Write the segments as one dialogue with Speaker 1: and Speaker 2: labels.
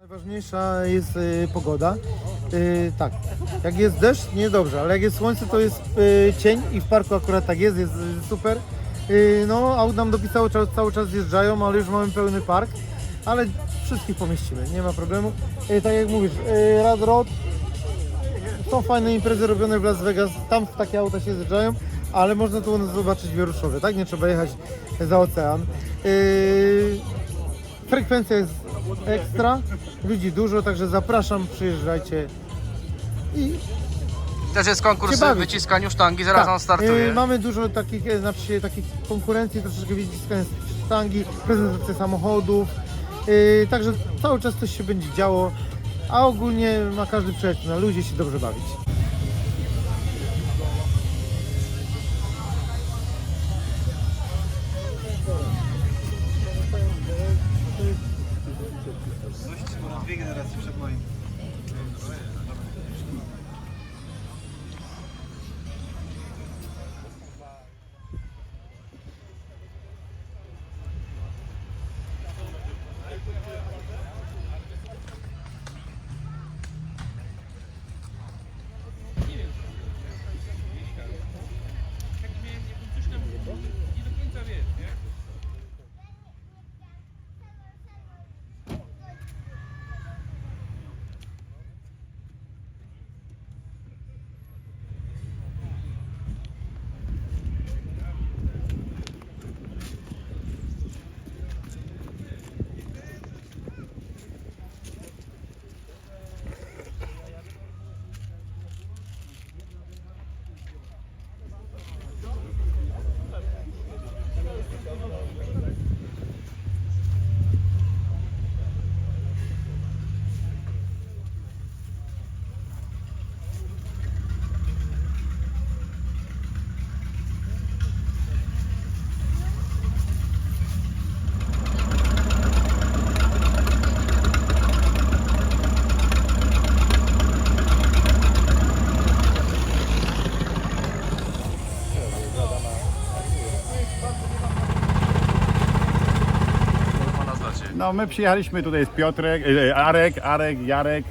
Speaker 1: Najważniejsza jest pogoda. Tak, jak jest deszcz, niedobrze, ale jak jest słońce, to jest cień i w parku akurat tak jest super. No, aut nam dopisało, cały czas zjeżdżają, ale już mamy pełny park, ale wszystkich pomieścimy, nie ma problemu. Tak jak mówisz, Rad Road, są fajne imprezy robione w Las Vegas, tam takie auta się zjeżdżają, ale można tu u nas zobaczyć wieruszowe, tak? Nie trzeba jechać za ocean. Frekwencja jest ekstra, ludzi dużo, także zapraszam, przyjeżdżajcie i
Speaker 2: Też jest konkurs w wyciskaniu sztangi, zaraz on startuje.
Speaker 1: mamy dużo takich, takich konkurencji, troszeczkę wyciskania sztangi, prezentacja samochodów, także cały czas coś się będzie działo, a ogólnie ma każdy przyjechać na luzie się dobrze bawić.
Speaker 3: Dwie generacje przed moim.
Speaker 4: No my przyjechaliśmy tutaj z Piotrek, Arek, Jarek,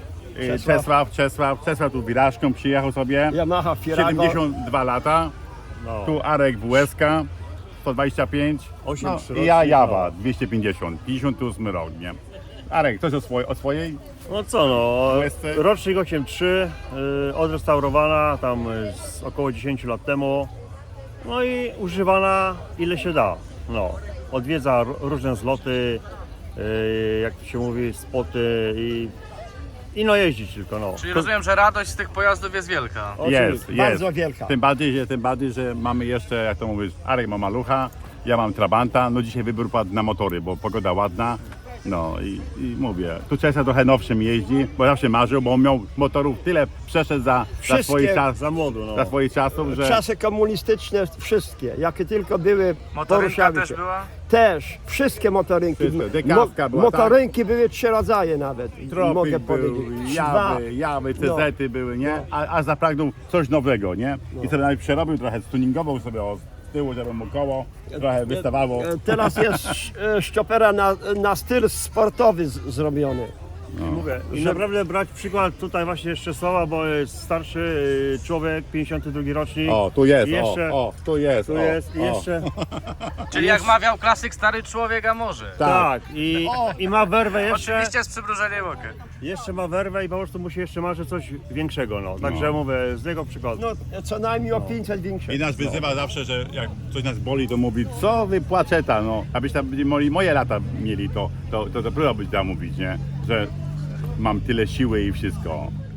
Speaker 4: Czesław tu wirażką przyjechał sobie.
Speaker 5: Yamaha Firago.
Speaker 4: 72 lata.
Speaker 5: No.
Speaker 4: Tu Arek WSK 125.
Speaker 5: 8
Speaker 4: No,
Speaker 5: przyrocznik,
Speaker 4: i ja Jawa
Speaker 5: no.
Speaker 4: 250, 58 rok, nie? Arek, coś o swojej?
Speaker 5: No co no,
Speaker 4: Łezce?
Speaker 5: rocznik 8.3, odrestaurowana tam z około 10 lat temu. No i używana ile się da. No, odwiedza różne zloty, jak to się mówi, spoty i no jeździć tylko no.
Speaker 2: Czyli rozumiem, że radość z tych pojazdów jest wielka.
Speaker 4: Jest.
Speaker 5: Bardzo wielka.
Speaker 4: Tym bardziej, że mamy jeszcze, jak to mówisz, Arek ma malucha, ja mam Trabanta. No dzisiaj wybór padł na motory, bo pogoda ładna. No i mówię, tu Czesław trochę nowszym jeździ, bo zawsze marzył, bo on miał motorów tyle przeszedł za swoich czasów,
Speaker 5: za młodu, no.
Speaker 4: za swoich czasów, że
Speaker 6: Czasy komunistyczne wszystkie, jakie tylko były,
Speaker 2: Motorynka
Speaker 6: poruszały
Speaker 2: też
Speaker 6: się.
Speaker 2: była?
Speaker 6: Też, wszystkie motorynki.
Speaker 4: Wszystko, dekawka była,
Speaker 6: motorynki były 3 rodzaje nawet,
Speaker 4: Tropik
Speaker 6: mogę
Speaker 4: był,
Speaker 6: powiedzieć.
Speaker 4: jawy, CZ-y były, nie? A zapragnął coś nowego, nie? I sobie nawet przerobił trochę, stuningował sobie z tyłu, żeby mu koło trochę wystawało.
Speaker 6: Teraz jest szczopera na styl sportowy zrobiony.
Speaker 5: Mówię, i naprawdę brać przykład tutaj właśnie jeszcze Sława, bo jest starszy człowiek, 52 rocznik.
Speaker 4: O, tu jest,
Speaker 5: I jeszcze,
Speaker 4: tu jest,
Speaker 5: tu jest, i jeszcze,
Speaker 2: Czyli jak mawiał klasyk, stary człowiek, a może.
Speaker 5: tak, i ma werwę jeszcze.
Speaker 2: Oczywiście z przymrużeniem oka.
Speaker 5: Jeszcze ma werwę i po prostu musi jeszcze marzyć coś większego, no. Także mówię, z niego przykładu.
Speaker 6: No, co najmniej o 500 większe.
Speaker 4: I nas wyzywa zawsze, że jak coś nas boli, to mówi, co wy płaczeta, no. Abyś tam moje lata mieli, to dopiero byś tam mówić, nie? Że mam tyle siły i wszystko.